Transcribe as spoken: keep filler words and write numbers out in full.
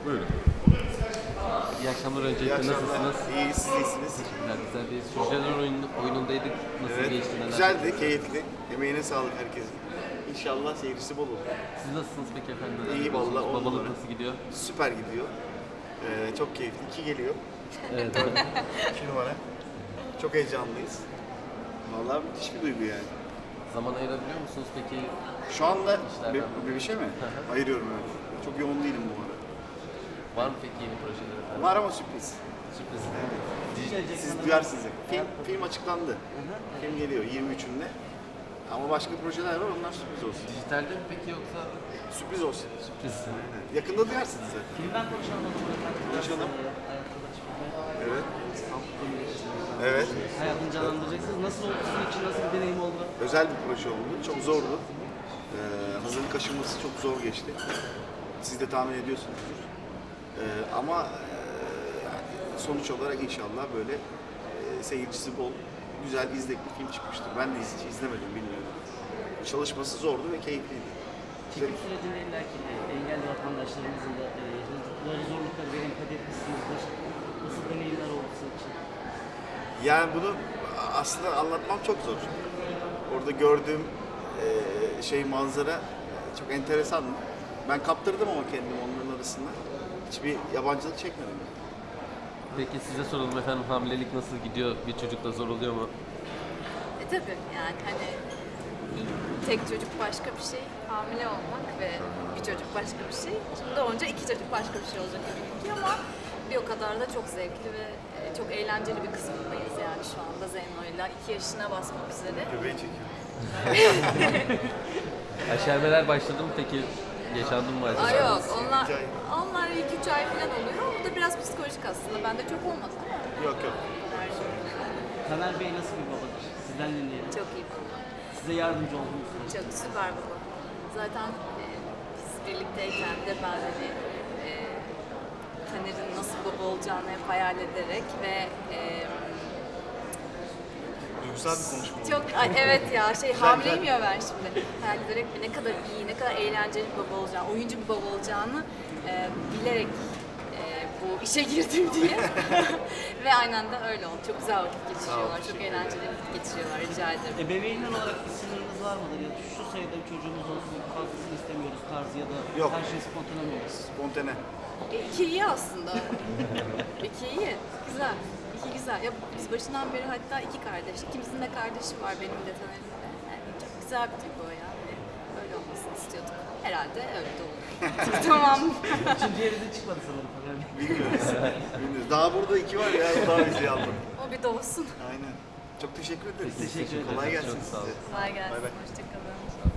Buyurun. İyi akşamlar İyi öncelikle, akşamlar. nasılsınız? İyi, siz iyisiniz. Teşekkürler, güzel bir Sürücüler oyun, oyunundaydık. Nasıl Evet, geçti, neler? güzeldi, keyifli. Emeğine sağlık herkesin. İnşallah seyircisi bol olur. Siz nasılsınız peki efendim? Neler İyi yapıyorsunuz? vallahi, on Babalık numara. nasıl gidiyor? Süper gidiyor. Ee, çok keyifli. İki geliyor. Evet. İki numara. Çok heyecanlıyız. Vallahi müthiş bir duygu yani. Zaman ayırabiliyor musunuz peki? Şu anda İşlerden bir, dolayı. bir şey mi? Ayırıyorum evet. Çok yoğun değilim bu ara. Var mı peki yeni projeler efendim? Var ama sürpriz. Sürpriz. Siz duyarsınız. Film, film açıklandı. Film geliyor yirmi üçünde. Ama başka projeler var, onlar sürpriz olsun. Dijitalde mi peki yoksa? Sürpriz olsun. Sürpriz. Yakında duyarsınız zaten. Filmden konuşalım o zaman efendim. Konuşalım. Hayatta da çıkıyor. Evet. Samsun'da geçtiniz. Evet. Hayatını canlandıracaksınız. Nasıl oldu sizin için? Nasıl bir deneyim oldu? Özel bir proje oldu. Çok zordu. Ee, hazırlık aşaması çok zor geçti. Siz de tahmin ediyorsunuzdur. Ee, ama e, yani sonuç olarak inşallah böyle e, seyircisi bol, güzel, izlek bir film çıkmıştır. Ben de hiç izlemedim, bilmiyorum. Çalışması zordu ve keyifliydi. Çekim sürecinde illa ki e, engelli vatandaşlarımızın da e, yaşadıkları zorlukları bir empati etmişsinizdir. Nasıl deneyimler oldu sizin için? Yani bunu aslında anlatmam çok zor. Orada gördüğüm e, şey, manzara çok enteresan. Ben kaptırdım ama kendimi onların arasında. Hiçbir yabancılık çekmedim. Peki size soralım efendim, hamilelik nasıl gidiyor? Bir çocukla zor oluyor mu? E tabii yani hani tek çocuk başka bir şey, hamile olmak ve bir çocuk başka bir şey. Şimdi doğunca iki çocuk başka bir şey olacak eminim ki ama bir o kadar da çok zevkli ve e, çok eğlenceli bir kısmındayız yani şu anda Zeyno'yla iki yaşına basmak üzere. Göbeği çekiyor. Aşermeler başladı mı peki? Yaşandı mı acaba? Aa yok onlar, İki ay. onlar ilk üç ay falan oluyor. O da biraz psikolojik aslında. Bende çok olmadı ama. Yok yok. Taner Bey nasıl bir babadır? Sizden dinleyelim. Çok iyi baba. Size yardımcı olduğunuz süreç. Çok süper baba. Zaten e, biz birlikteyken de ben hani e, Taner'in nasıl baba olacağını hep hayal ederek ve e, Duygusal bir konuşma oldu. çok ay, evet ya şey hamileyim ya ben şimdi. Hayal ederek ne kadar iyi, ne kadar eğlenceli bir baba olacağını, oyuncu bir baba olacağını e, bilerek e, bu işe girdim diye. Ve aynen de öyle oldu. Çok güzel vakit geçiriyorlar, çok eğlenceli vakit geçiriyorlar. Rica ederim. Ebeveynler olarak bir sınırınız var mıdır? Ya da şu sayıda bir çocuğumuz olsun, fazlasını istemiyoruz tarzı ya da Yok. her şey spontane mi olur? Spontane. E, iki iyi aslında. İki iyi. Güzel. İki güzel. Ya biz başından beri hatta iki kardeş. İkimizin de kardeşi var, benim de Taner'in de. Yani çok güzel bir tek o ya. Hani öyle olmasını istiyorduk. Herhalde öyle de oldu. Tamam. Üçüncü evde çıkmadı sanırım Taner Bey. Bilmiyoruz. Bilmiyoruz. Daha burada iki var ya, daha bizi aldım. O bir doğsun. Aynen. Çok teşekkür ederiz. Teşekkür ederim. Kolay gelsin Çok sağ olun. size. Kolay gelsin. Bay bay. Hoşçakalın.